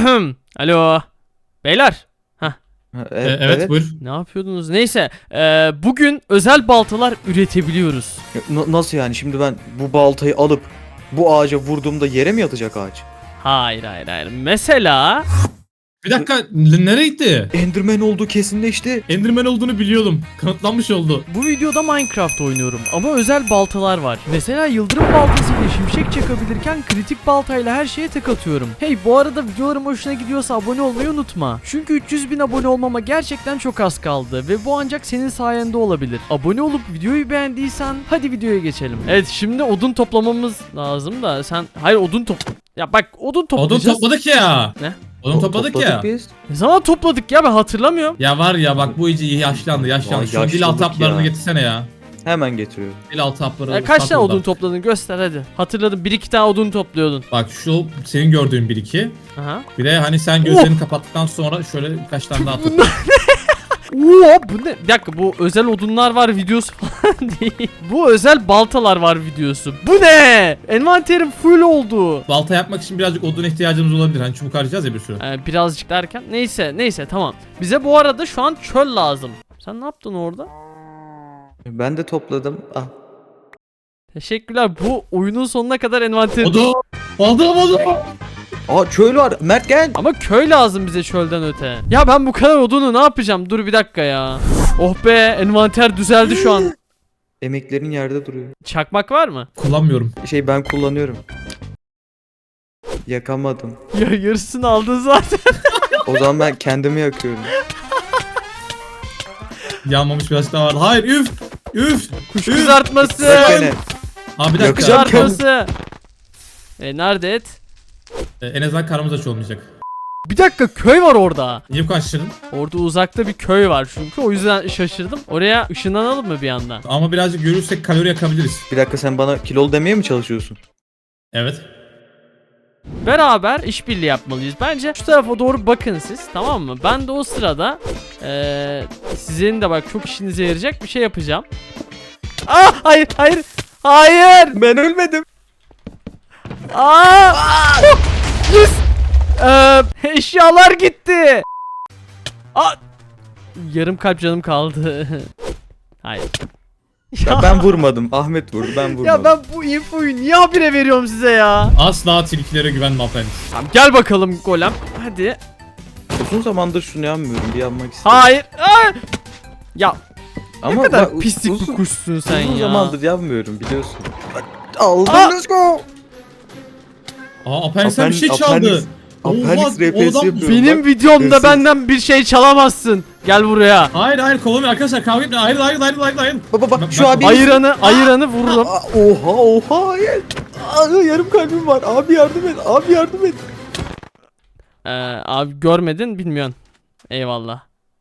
Alo. Beyler. Evet, buyur. Ne yapıyordunuz? Neyse. Bugün özel baltalar üretebiliyoruz. Nasıl yani? Şimdi ben bu baltayı alıp bu ağaca vurduğumda yere mi yatacak ağaç? Hayır. Mesela. Bir dakika, nereye gitti? Enderman olduğu kesinleşti. Enderman olduğunu biliyordum. Kanıtlanmış oldu. Bu videoda Minecraft oynuyorum ama özel baltalar var. Mesela yıldırım baltasıyla şimşek çakabilirken kritik baltayla her şeye tek atıyorum. Hey, bu arada videolarım hoşuna gidiyorsa abone olmayı unutma. Çünkü 300.000 abone olmama gerçekten çok az kaldı ve bu ancak senin sayende olabilir. Abone olup videoyu beğendiysen hadi videoya geçelim. Evet, şimdi odun toplamamız lazım da sen... Hayır, odun Ya bak, odun toplayacağız. Odun topladık ya. Ne? Odun topladık ya. Biz. Ne zaman topladık ya, ben hatırlamıyorum. Ya var ya bak, bu iyice yaşlandı. Vay, Şu dil yaşlılık altı haplarını ya. getirsene ya. Hemen getiriyorum. Dil altı hapları. Kaç sat tane oradan. odun topladın, göster hadi. Hatırladım, 1-2 tane odun topluyordun. Bak şu senin gördüğün 1-2. Aha. Bir de hani sen gözlerini kapattıktan sonra şöyle birkaç tane daha tut. Oo, bu ne? Bir dakika, bu özel odunlar var videosu falan değil. Bu özel baltalar var videosu. Bu ne? Envanterim full oldu. Balta yapmak için birazcık odun ihtiyacımız olabilir. Hani çubuk harcayacağız ya bir sürü. Birazcık derken neyse tamam. Bize bu arada şu an çöl lazım. Sen ne yaptın orada? Ben de topladım. Ah. Teşekkürler. Bu oyunun sonuna kadar envanterim. Odun! Odun! Aa, çöl var. Mert gel. Ama köy lazım bize çölden öte. Ya ben bu kadar odunu ne yapacağım? Dur bir dakika ya. Oh be, envanter düzeldi şu an. Emeklerin yerde duruyor. Çakmak var mı? Kullanmıyorum. Ben kullanıyorum. Yakamadım. Ya yarısını aldın zaten. O zaman ben kendimi yakıyorum. Yanmamış birazcık daha var. Hayır, üf! Üf! Kuş Üf! kızartması. Bırak beni. Abi bir dakika. Yakacağım. Kızartması. Nerede et? En azından karnımız aç olmayacak. Bir dakika, köy var orada. Niye bu kadar şaşırdın? Orada uzakta bir köy var çünkü, o yüzden şaşırdım. Oraya ışınlanalım mı bir anda? Ama birazcık görürsek kalori yakabiliriz. Bir dakika, sen bana kilolu demeye mi çalışıyorsun? Evet. Beraber işbirliği yapmalıyız. Bence şu tarafa doğru bakın siz, tamam mı? Ben de o sırada sizin de bak çok işinize yarayacak bir şey yapacağım. Ah, hayır. Ben ölmedim. Yes. Eşyalar gitti. Yarım kalp canım kaldı. Hayır. Ya ben vurmadım. Ahmet vurdu. Ben vurmadım. Ya ben bu infoyu niye habire veriyorum size ya? Asla tilkilere güvenme efendim. Tamam, gel bakalım golem. Hadi. Uzun zamandır şunu yanmıyorum. Bir yanmak istiyorum. Hayır. Ya Ama ne kadar bak, pislik bir uzun kuşsun sen ya. zamandır yanmıyorum, biliyorsun. Aldım, let's go. Apenix'ten bir şey çaldı. Apenix RP'si yapıyorum. Benim bak. videomda Hırsız. benden bir şey çalamazsın. Gel buraya. Hayır kovulmuyor arkadaşlar, kavga etmeyin. Hayır. Baba bak, Ben- şu ben- abi. Ayıranı vururum. Oha hayır. Yarım kalbim var. Abi yardım et. Abi görmedin, bilmiyorsun. Eyvallah.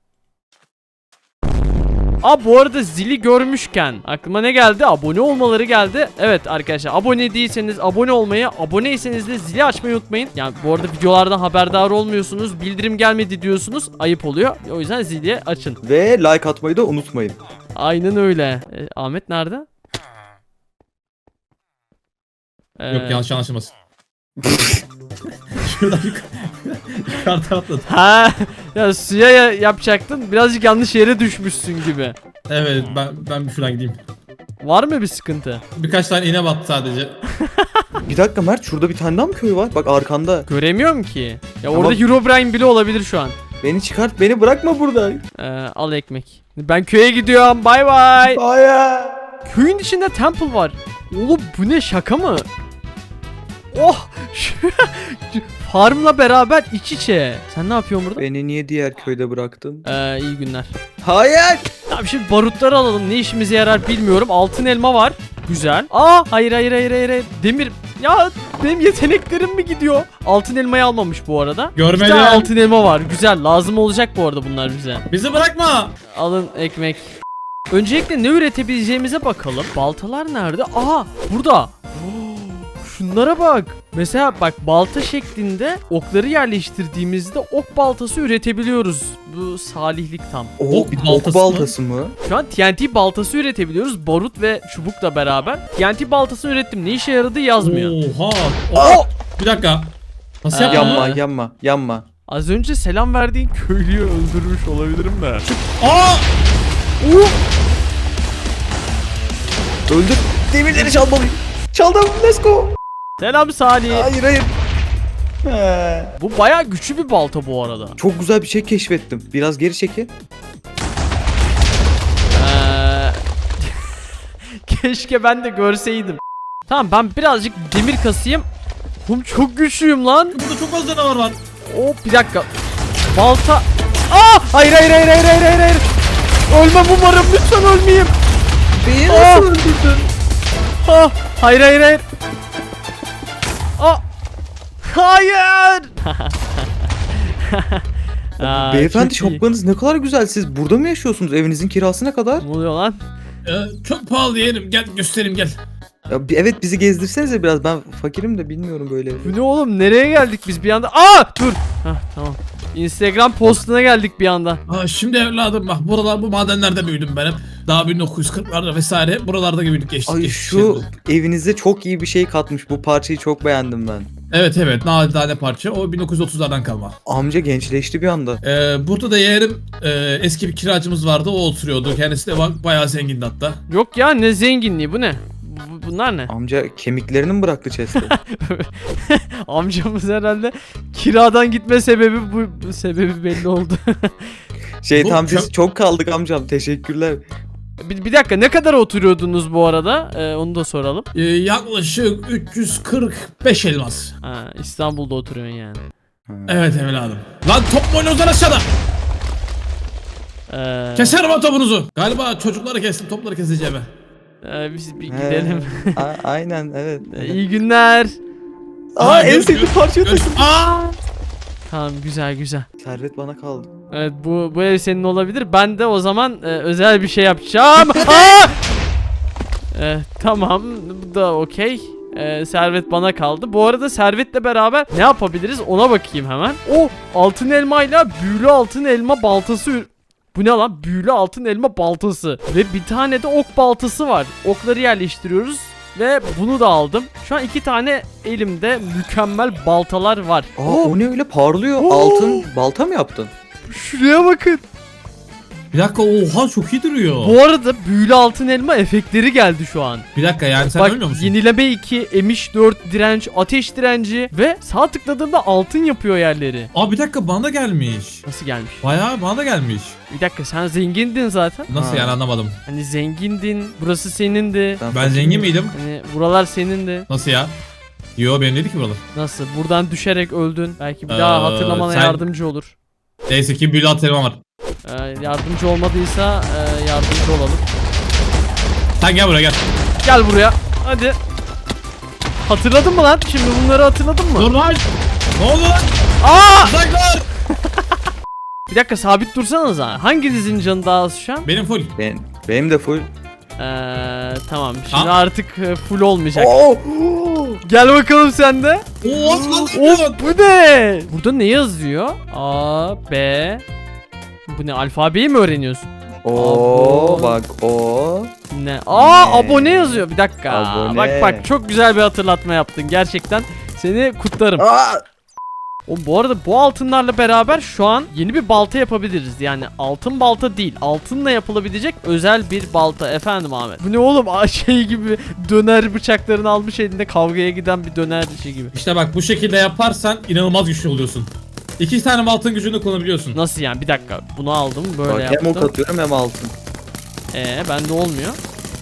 Bu arada zili görmüşken aklıma ne geldi? Abone olmaları geldi. Evet arkadaşlar, abone değilseniz abone olmayı, aboneyseniz de zili açmayı unutmayın. Yani bu arada videolardan haberdar olmuyorsunuz, bildirim gelmedi diyorsunuz, ayıp oluyor. O yüzden zili açın. Ve like atmayı da unutmayın. Aynen öyle. Ahmet nerede? Yok, yanlış anlaşılmasın. Şuradan yukarıdan atladı. Ya suya yapacaktın. Birazcık yanlış yere düşmüşsün gibi. Evet, ben bir şuradan gideyim. Var mı bir sıkıntı? Birkaç tane iğne battı sadece. Bir dakika Mert, şurada bir tane daha mı köy var? Bak arkanda. Göremiyorum ki. Ya Ama- orada Herobrine bile olabilir şu an. Beni çıkart, beni bırakma burada. Al ekmek. Ben köye gidiyorum. Bay bay. Hayır. Köyün içinde temple var. Oğlum bu ne, şaka mı? Oh! Farmla beraber iç içe. Sen ne yapıyorsun burada? Beni niye diğer köyde bıraktın? İyi günler. Hayır. Tamam, şimdi barutları alalım. Ne işimize yarar bilmiyorum. Altın elma var. Güzel. Hayır. Demir. Ya benim yeteneklerim mi gidiyor? Altın elmayı almamış bu arada. Görmedim. Bir tane altın elma var. Güzel. Lazım olacak bu arada bunlar bize. Bizi bırakma. Alın ekmek. Öncelikle ne üretebileceğimize bakalım. Baltalar nerede? Burada. Şunlara bak. Mesela bak, balta şeklinde okları yerleştirdiğimizde ok baltası üretebiliyoruz. Bu salihlik tam. Ok Bir baltası ok mı? baltası mı? Şu an TNT baltası üretebiliyoruz. Barut ve çubukla beraber. TNT baltasını ürettim. Ne işe yaradığı yazmıyor. Oha. Oh! Bir dakika. Nasıl Aa. yaptın? Yanma yanma yanma. Az önce selam verdiğin köylüyü öldürmüş olabilirim de. Aa! Öldür. Demirleri çalmalıyım. Çaldım. Let's go. Selam Salih. Hayır hayır. He. Bu bayağı güçlü bir balta bu arada. Çok güzel bir şey keşfettim. Biraz geri çekin. Keşke ben de görseydim. Tamam ben birazcık demir kasayım. Çok güçlüyüm lan. Burada çok az canavar var. Bir dakika. Balta. Hayır. Ölmem umarım, lütfen ölmeyeyim. Beni nasıl öldürdün? Hayır. Hayır. Beyefendi çok iyi. şapkanız ne kadar güzel. Siz burada mı yaşıyorsunuz? Evinizin kirası ne kadar? Ne oluyor lan? Çok pahalı yerim. Gel göstereyim gel. Ya, evet bizi gezdirsenize biraz. Ben fakirim de bilmiyorum böyle. Bu ne oğlum? Nereye geldik biz bir anda? Dur. Tamam. Instagram postuna geldik bir anda. Şimdi evladım bak bu madenlerde büyüdüm benim. Daha 1940'larda vesaire buralarda büyüdük geçtik. Ay geçtik şu şeyleri. evinize çok iyi bir şey katmış. Bu parçayı çok beğendim ben. Evet nadide parça o 1930'lardan kalma. Amca gençleşti bir anda. Burada da yeğenim eski bir kiracımız vardı o oturuyordu. Kendisi de bayağı zengindi hatta. Yok ya, ne zenginliği, bu ne? Bunlar ne? Amca kemiklerini mi bıraktı chest'te? Amcamız herhalde kiradan gitme sebebi bu sebebi belli oldu. Şey Bu tam biz çöp- çok kaldık amcam. Teşekkürler. bir dakika, ne kadar oturuyordunuz bu arada? Onu da soralım. Yaklaşık 345 elmas. İstanbul'da oturuyorsun yani. Evet evladım. Lan top mu oynuyorsun aşağıda? Keserim o topunuzu. Galiba çocukları kestim topları keseceğim. Biz bir gidelim. Aynen evet. İyi günler. En sevdiğim parçayı taşıdım. Tamam, güzel. Servet bana kaldı. Evet, bu ev senin olabilir. Ben de o zaman özel bir şey yapacağım. Tamam, bu da okey. Servet bana kaldı. Bu arada Servet'le beraber ne yapabiliriz ona bakayım hemen. Altın elmayla büyülü altın elma baltası. Bu ne lan? Büyülü altın elma baltası. Ve bir tane de ok baltası var. Okları yerleştiriyoruz. Ve bunu da aldım. Şu an 2 tane elimde mükemmel baltalar var. O ne öyle parlıyor? Oo. Altın balta mı yaptın? Şuraya bakın. Bir dakika oha çok iyi duruyor. Bu arada büyülü altın elma efektleri geldi şu an. Bir dakika yani sen Bak, ölmüyor musun? yenileme 2, emiş 4, direnç, ateş direnci ve sağ tıkladığımda altın yapıyor yerleri. Bir dakika bana da gelmiş. Nasıl gelmiş? Bayağı bana da gelmiş. Bir dakika, sen zengindin zaten. Nasıl yani anlamadım. Hani zengindin, burası senindi. Ben zengin miydim? Hani buralar senindi. Nasıl ya? Yo benim dedi ki buralar. Nasıl? Buradan düşerek öldün. Belki bir daha hatırlamana sen- yardımcı olur. Neyse ki büyülü at elma var. Yardımcı olmadıysa yardımcı olalım. Sen gel buraya gel. Gel buraya. Hadi. Hatırladın mı lan? Şimdi bunları hatırladın mı? Dur lan. Ne oldu lan? Uzaklar. Bir dakika, sabit dursanıza. Hanginizin canı daha az şu an? Benim full. Benim de full. Tamam. Şimdi artık full olmayacak. Oo. Gel bakalım sen de. Oo, Bu ne? Burada ne yazıyor? A, B. Bu ne? Alfabeyi mi öğreniyorsun? Oo bak o. Ne? Abone yazıyor. Bir dakika. Abone. Bak çok güzel bir hatırlatma yaptın. Gerçekten seni kutlarım. Bu arada bu altınlarla beraber şu an yeni bir balta yapabiliriz. Yani altın balta değil, altınla yapılabilecek özel bir balta. Efendim Ahmet. Bu ne oğlum? Şey gibi, döner bıçaklarını almış elinde kavgaya giden bir döner gibi. İşte bak bu şekilde yaparsan inanılmaz güçlü oluyorsun. 2 tane altın gücünü kullanabiliyorsun. Nasıl yani? Bir dakika. Bunu aldım, böyle Bak yaptım. hem ok atıyorum hem altın. Bende olmuyor.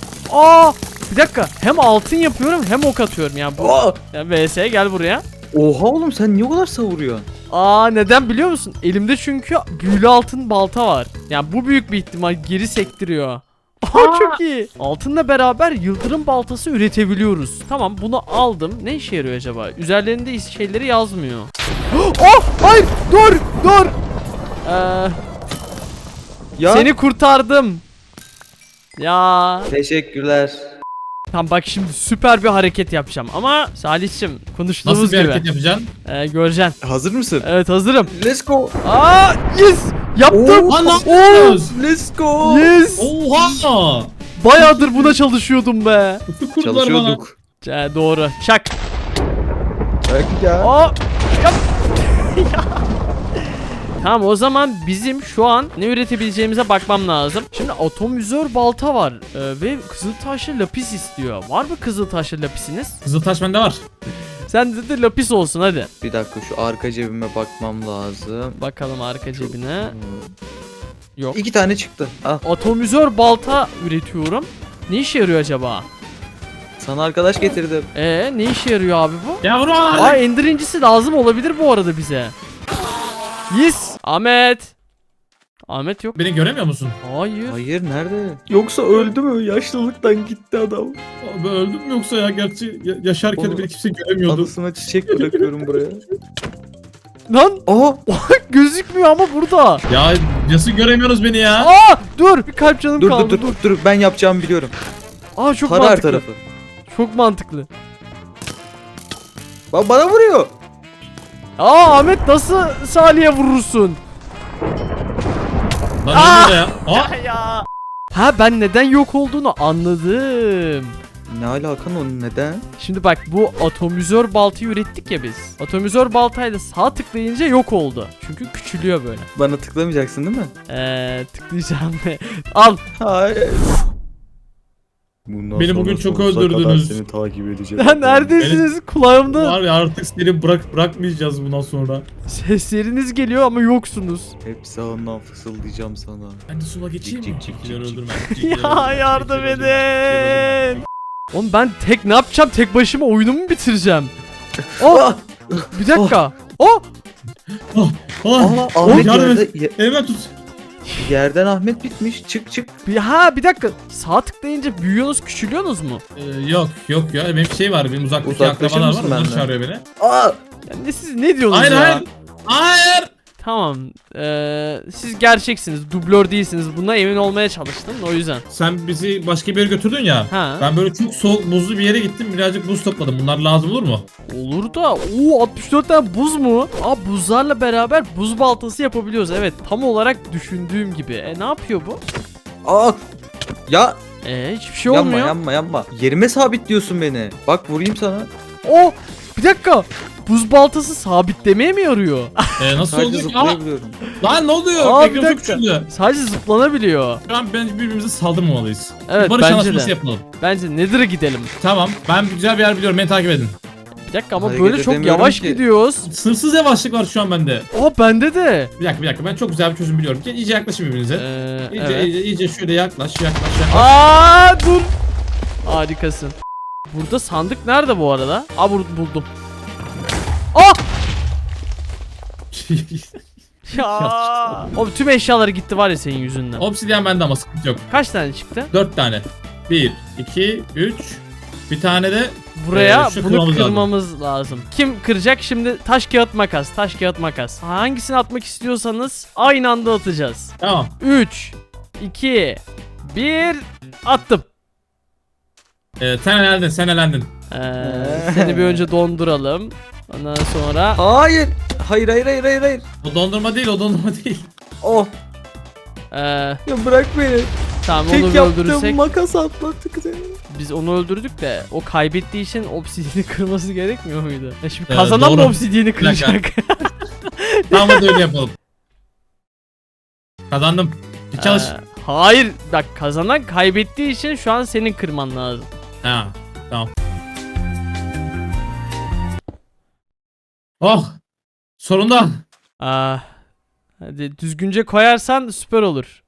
Bir dakika. Hem altın yapıyorum hem ok atıyorum ya. Bu ya VS gel buraya. Oha oğlum sen niye o kadar savuruyorsun? Neden biliyor musun? Elimde çünkü büyülü altın balta var. Yani bu büyük bir ihtimal geri sektiriyor. Çok iyi. Altınla beraber yıldırım baltası üretebiliyoruz. Tamam, bunu aldım. Ne işe yarıyor acaba? Üzerlerinde şeyleri yazmıyor. Hayır, dur. Ya. Seni kurtardım. Ya. Teşekkürler. Tamam, bak şimdi süper bir hareket yapacağım ama Salih'cim konuştuğumuz Nasıl bir gibi. hareket yapacaksın? Göreceksin. Hazır mısın? Evet, hazırım. Let's go. Yes! Yaptım. Lan ne yapıyorsunuz? Let's go. Yes! Oha! Bayağıdır buna çalışıyordum be. Kurdular bana. Çalışıyorduk. Doğru. Çak. Bak ya. Tamam, o zaman bizim şu an ne üretebileceğimize bakmam lazım. Şimdi atomizör balta var ve kızıltaşlı lapis istiyor. Var mı kızıltaşlı lapisiniz? Kızıltaş bende var. Sen de lapis olsun hadi. Bir dakika şu arka cebime bakmam lazım. Bakalım arka cebine. Yok. 2 tane çıktı. Al. Atomizör balta üretiyorum. Ne işe yarıyor acaba? Sana arkadaş getirdim. Ne işe yarıyor abi bu? Ya vurma. Aa, ender incisi lazım olabilir bu arada bize. Yes. Ahmet. Ahmet yok. Beni göremiyor musun? Hayır. Hayır nerede? Yoksa öldü mü? Yaşlılıktan gitti adam. Abi öldüm mü yoksa ya? Gerçi yaşarken Onu- beni kimse göremiyordu. Anısına çiçek bırakıyorum buraya. Lan Aha! gözükmüyor ama burada. Ya nasıl göremiyoruz beni ya? Aa, dur bir kalp canım Dur kaldı. dur ben yapacağımı biliyorum. Aa, çok Tara her mantıklı. tarafı. Çok mantıklı. Bak bana vuruyor. Aa, Ahmet nasıl Salih'e vurursun? Lan ne oluyor ya? Aa! Ya. Ha, ben neden yok olduğunu anladım. Ne alakan onun neden? Şimdi bak, bu atomizör baltayı ürettik ya biz. Atomizör baltayla sağ tıklayınca yok oldu. Çünkü küçülüyor böyle. Bana tıklamayacaksın değil mi? Tıklayacağım ve al. Hayır. Bundan Beni sonra bugün çok sonsuza öldürdünüz. kadar seni takip edeceğim. Lan neredesiniz? Kulağımda Var ya, artık seni bırakmayacağız bundan sonra. sesleriniz geliyor ama yoksunuz. Hep sağından fısıldayacağım sana. Ben de sola geçeyim mi? Cik, cik, Cikleri cik, öldürme. Ya yardım edin. Oğlum ben tek ne yapacağım? Tek başıma oyunumu mu bitireceğim? Oh, bir dakika. Oh, Aha, Oh, Ahmet yardım yerde, et. Elime tut. yerden Ahmet bitmiş. Çık çık. bir dakika. Sağ tıklayınca büyüyorsunuz, küçülüyorsunuz mu? Yok ya, benim şey var, benim uzaktaki Uzaklaşır akrabalar var, mısın onlar benden? çağırıyor beni. Aa! Ya siz ne diyorsunuz Hayır ya? hayır. Tamam. Siz gerçeksiniz. Dublör değilsiniz. Buna emin olmaya çalıştım. O yüzden. Sen bizi başka bir yere götürdün ya. Ha. Ben böyle çok soğuk buzlu bir yere gittim, birazcık buz topladım. Bunlar lazım olur mu? Olur da. 64 tane buz mu? Aa, buzlarla beraber buz baltası yapabiliyoruz. Evet. Tam olarak düşündüğüm gibi. Ne yapıyor bu? Aa! Ya Hiçbir şey yanma olmuyor. yanma. Yerime sabitliyorsun beni. Bak vurayım sana. Oh! Bir dakika. Buz baltası sabitlemeye mi yarıyor? Nasıl Sadece oluyor? zıplayabiliyorum. Lan ne oluyor? Aa, bir Ekran çok dakika. küçüldü. Sadece zıplanabiliyor. Şu an bence birbirimize saldırmamalıyız. Evet, Barış bence anlaşması de. yapalım. Bence Nether'a gidelim. Tamam, ben güzel bir yer biliyorum, beni takip edin. Bir dakika ama Hareket böyle çok edemiyorum yavaş ki. gidiyoruz. Sınırsız yavaşlık var şu an bende. Bende de. Bir dakika, ben çok güzel bir çözüm biliyorum. Gel iyice yaklaşın birbirinize. Evet. İyice şöyle yaklaş. Aa, dur. Harikasın. Burada sandık nerede bu arada? Buldum. Ah! Ya. Oğlum tüm eşyaları gitti var ya senin yüzünden. Obsidyen bende ama sıkıntı yok. Kaç tane çıktı? 4 tane. 1, 2, 3. Bir tane de Buraya şu bunu kırmamız kırmamız lazım. Kim kıracak şimdi? Taş kağıt makas. Taş kağıt makas. Hangisini atmak istiyorsanız aynı anda atacağız. tamam. 3 2 1 attım. Sen elendin. Seni bir önce donduralım. Ondan sonra Hayır. Hayır. O dondurma değil. Oh. ee, Ya bırak beni. tamam Tek onu yaptığım öldürürsek makas atlattık seni. biz onu öldürdük de o kaybettiği için obsidiyeni kırması gerekmiyor muydu? Ya şimdi kazanan mı doğru. obsidiyeni Bir dakika. kıracak? Tamam, hadi öyle yapalım. Kazandım. Bir çalış. Hayır bak, kazanan kaybettiği için şu an senin kırman lazım. Ha, tamam. Oh! Sonunda. Hadi düzgünce koyarsan süper olur.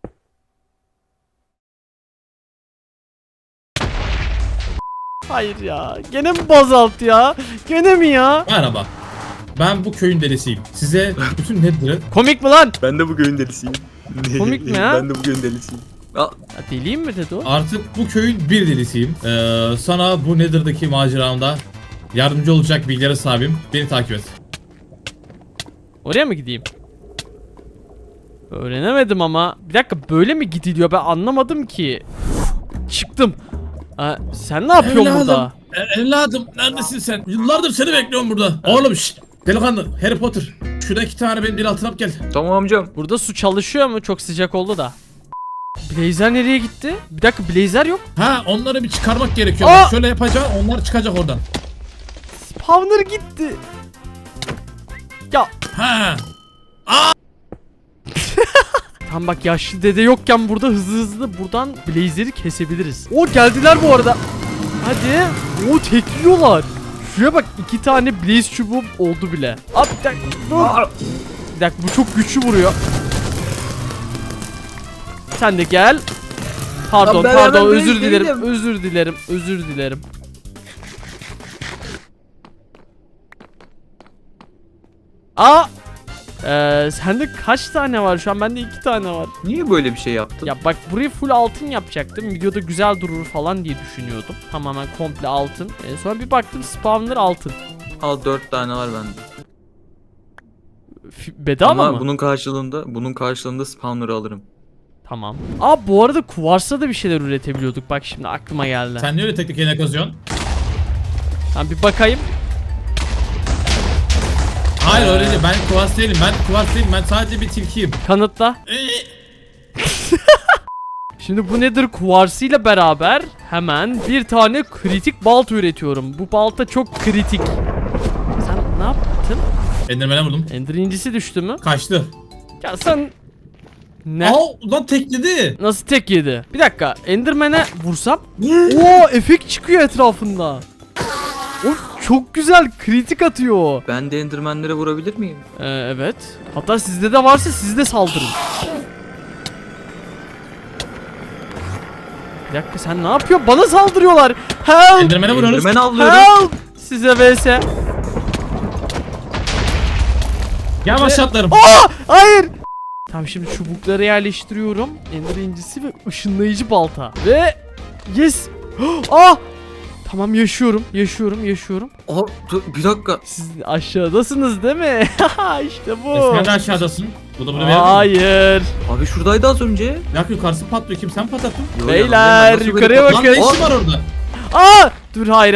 Hayır ya. Gene mi bazalt ya? Gene mi ya? Merhaba. Ben bu köyün delisiyim. Size bütün Nether'ı Komik mi lan? Ben de bu köyün delisiyim. Komik mi ya? Ben de bu köyün delisiyim. Ya deliyim mi dedi o? artık bu köyün bir delisiyim. Sana bu Nether'daki maceramda yardımcı olacak bilgilere sahibim. Beni takip et. Oraya mı gideyim? Öğrenemedim ama. Bir dakika, böyle mi gidiliyor? Ben anlamadım ki. Çıktım. Sen ne yapıyorsun Evladım. burada? Evladım neredesin sen? Yıllardır seni bekliyorum burada. Oğlum şşt. Delikanlı Harry Potter. Şurada 2 tane benim dil altına gel. Tamam amcam. Burada su çalışıyor mu? Çok sıcak oldu da. Blazer nereye gitti? Bir dakika, Blazer yok. Ha, onları bir çıkarmak gerekiyor. Aa! Bak, şöyle yapacağım, onlar çıkacak oradan. Spawner gitti. Ha. Tam bak yaşlı dede yokken burada hızlı buradan Blazer'i kesebiliriz. O geldiler bu arada. Hadi. O tekliyorlar. Şuraya bak 2 tane Blaze çubuğum oldu bile. Abi bir dakika dur. Bir dakika bu çok güçlü vuruyor. Sen de gel. Pardon Lan ben pardon hemen özür Blaze dilerim. değilim. Özür dilerim. Özür dilerim. Aa! Sende kaç tane var şu an? Bende 2 tane var. Niye böyle bir şey yaptın? Ya bak burayı full altın yapacaktım. Videoda güzel durur falan diye düşünüyordum. Tamamen komple altın. Sonra bir baktım spawner altın. Al 4 tane var bende. Bedava Ama mı? bunun karşılığında spawner'ı alırım. Tamam. Aa bu arada kuvarsla da bir şeyler üretebiliyorduk. Bak şimdi aklıma geldi. Sen niye öyle teknik yerine kazıyorsun? Ben bir bakayım. Hayır öyle değil. Ben kuvars değilim. Ben sadece bir tilkiyim. Kanıtla. Şimdi bu nedir kuvarsıyla beraber hemen bir tane kritik balta üretiyorum. Bu balta çok kritik. Sen ne yaptın? Enderman'e vurdum. Ender incisi düştü mü? Kaçtı. Ya sen... Ne? Aa lan tekledi. Nasıl tek yedi? Bir dakika. Enderman'e vursam. Oo efekt çıkıyor etrafında. Of çok güzel kritik atıyor. Ben de endermenlere vurabilir miyim? Evet. Hatta sizde de varsa siz de saldırın. Bir dakika sen ne yapıyorsun? Bana saldırıyorlar. Help! Enderman'e vuruyoruz. Enderman avlıyorum. Help! Size vs. Gel aşağı atlarım. Aa! Hayır! Tamam şimdi çubukları yerleştiriyorum. Ender incisi ve ışınlayıcı balta. Ve yes! Ah! Tamam yaşıyorum. Aa, dur, bir dakika. Siz aşağıdasınız değil mi? İşte bu. Sen de aşağıdasın. Bu da bunu verir mi? Hayır. Abi şuradaydı az önce. Yak yukarısı patlıyor. Kim sen patlattın? Yo, Beyler, nasıl böyle yukarıya pat- Lan bakın. ne işin var orada? Aa! Dur hayır.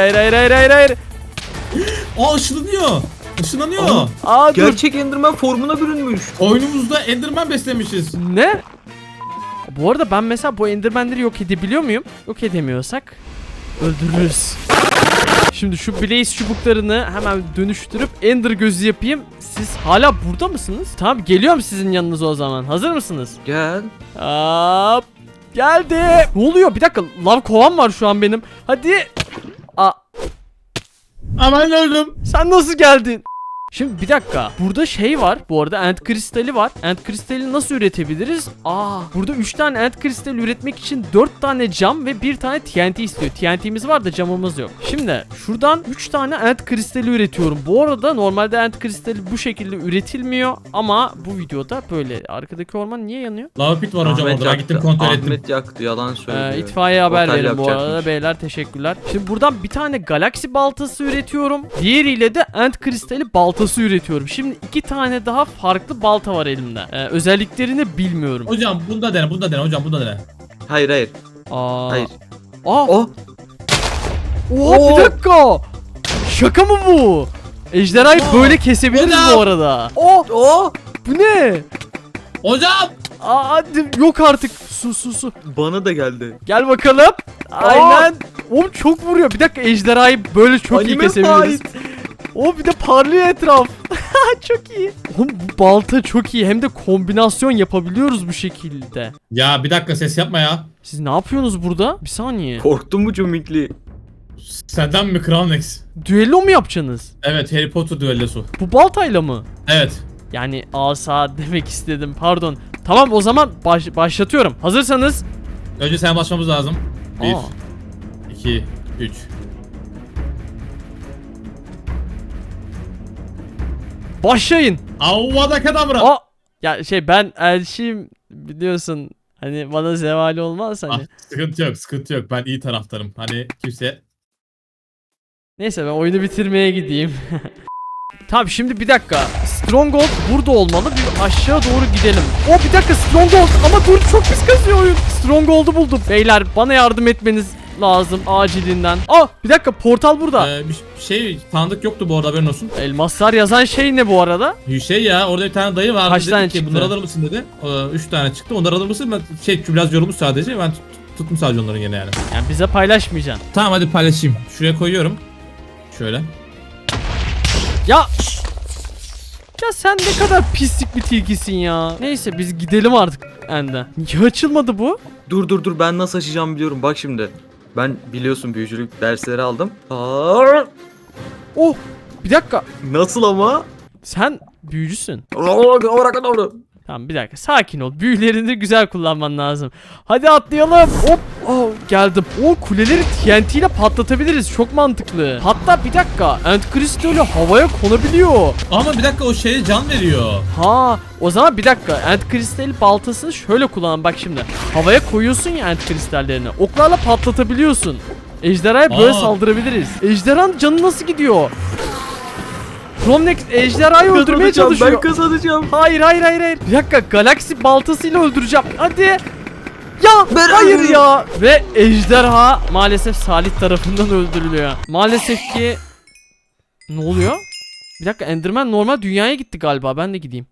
Aa ışınlanıyor. Işınlanıyor. Aa dur. Gerçek enderman formuna bürünmüş. Oyunumuzda Enderman beslemişiz. Ne? Bu arada ben mesela bu endermenleri yok edebiliyor muyum? Yok edemiyorsak öldürürüz. Şimdi şu blaze çubuklarını hemen dönüştürüp ender gözü yapayım. Siz hala burada mısınız? Tamam geliyorum sizin yanınıza o zaman. Hazır mısınız? Gel. Hop. Geldi. Ne oluyor? Bir dakika. Lav kovan var şu an benim. Hadi. Aa, Aman öldüm. sen nasıl geldin? Şimdi bir dakika. Burada şey var. Bu arada end kristali var. End kristali nasıl üretebiliriz? Burada 3 tane end kristali üretmek için 4 tane cam ve 1 tane TNT istiyor. TNT'miz var da camımız yok. Şimdi şuradan 3 tane end kristali üretiyorum. Bu arada normalde end kristali bu şekilde üretilmiyor ama bu videoda böyle. Arkadaki orman niye yanıyor? Lava pit var hocam Ahmet orada. Ben gittim kontrol ettim. Ahmet yaktı, yalan söylüyor. İtfaiye haber Otel verin bu arada yapacakmış. beyler, teşekkürler. Şimdi buradan bir tane galaksi baltası üretiyorum. Diğeriyle de end kristali baltası üretiyorum. Şimdi 2 tane daha farklı balta var elimde. Özelliklerini bilmiyorum. Hocam bunda dene hocam bunda dene. Hayır. Aa. Hayır. Aa. Oh. Oha Oo. bir dakika. Şaka mı bu? Ejderhayı Aa. böyle kesebiliriz Hocam. bu arada. Oh Oh. bu ne? Hocam. Hadi yok artık. Su. Bana da geldi. Gel bakalım. Aynen. Oğlum çok vuruyor. Bir dakika ejderhayı böyle çok iyi Anime kesebiliriz. fight. O bir de parlıyor etraf. Çok iyi. Oğlum bu balta çok iyi. Hem de kombinasyon yapabiliyoruz bu şekilde. Ya bir dakika ses yapma ya. Siz ne yapıyorsunuz burada? Bir saniye. Korktun mu Cumikli? Senden mi Kral Nex? Düello mu yapacaksınız? Evet Harry Potter düellosu. Bu baltayla mı? Evet. Yani asa demek istedim. Pardon. Tamam o zaman başlatıyorum. Hazırsanız. Önce sen başlamamız lazım. 1 Aa. 2 3. Başlayın. Avvada kadabra. Aa. Ya ben elçiyim biliyorsun. Hani bana zevali olmaz hani. Sıkıntı yok. Ben iyi taraftarım. Hani kimse... Neyse ben oyunu bitirmeye gideyim. Tamam şimdi bir dakika. Stronghold burada olmalı. Bir aşağı doğru gidelim. Bir dakika Stronghold ama dur çok pis kasıyor oyun. Stronghold'u buldum. Beyler bana yardım etmeniz lazım acilinden. Bir dakika portal burada. Bir şey tanıdık yoktu bu arada haberin olsun. Elmaslar yazan şey ne bu arada? Şey ya orada bir tane dayı vardı. Kaç dedi tane ki, çıktı? bunları alır mısın dedi. 3 tane çıktı. Onları alır mısın? Ben biraz yorulmuş sadece. Ben tuttum sadece onların gene yani. Yani bize paylaşmayacaksın. Tamam hadi paylaşayım. Şuraya koyuyorum. Şöyle. Ya Ya sen ne kadar pislik bir tilkisin ya. Neyse biz gidelim artık Ende. Niye açılmadı bu? Dur ben nasıl açacağımı biliyorum bak şimdi. Ben biliyorsun büyücülük dersleri aldım. Oh bir dakika. Nasıl ama? Sen büyücüsün. Tamam bir dakika sakin ol. Büyülerini güzel kullanman lazım. Hadi atlayalım. Hop. Oh, geldim. O kuleleri TNT ile patlatabiliriz. Çok mantıklı. Hatta bir dakika. End Crystal'ü havaya konabiliyor. Ama bir dakika o şeye can veriyor. Ha, o zaman bir dakika. End Crystal baltasını şöyle kullan bak şimdi. Havaya koyuyorsun ya End Crystal'lerini. Oklarla patlatabiliyorsun. Ejderhaya böyle saldırabiliriz. Ejderhanın canı nasıl gidiyor? Romnex ejderhayı öldürmeye çalışıyor. Ben kazanacağım. Hayır. Bir dakika Galaxy baltasıyla öldüreceğim. Hadi. Ya Ben hayır öldürdüm. ya. Ve ejderha maalesef Salih tarafından öldürülüyor. Maalesef ki ne oluyor? Bir dakika Enderman normal dünyaya gitti galiba. Ben de gideyim.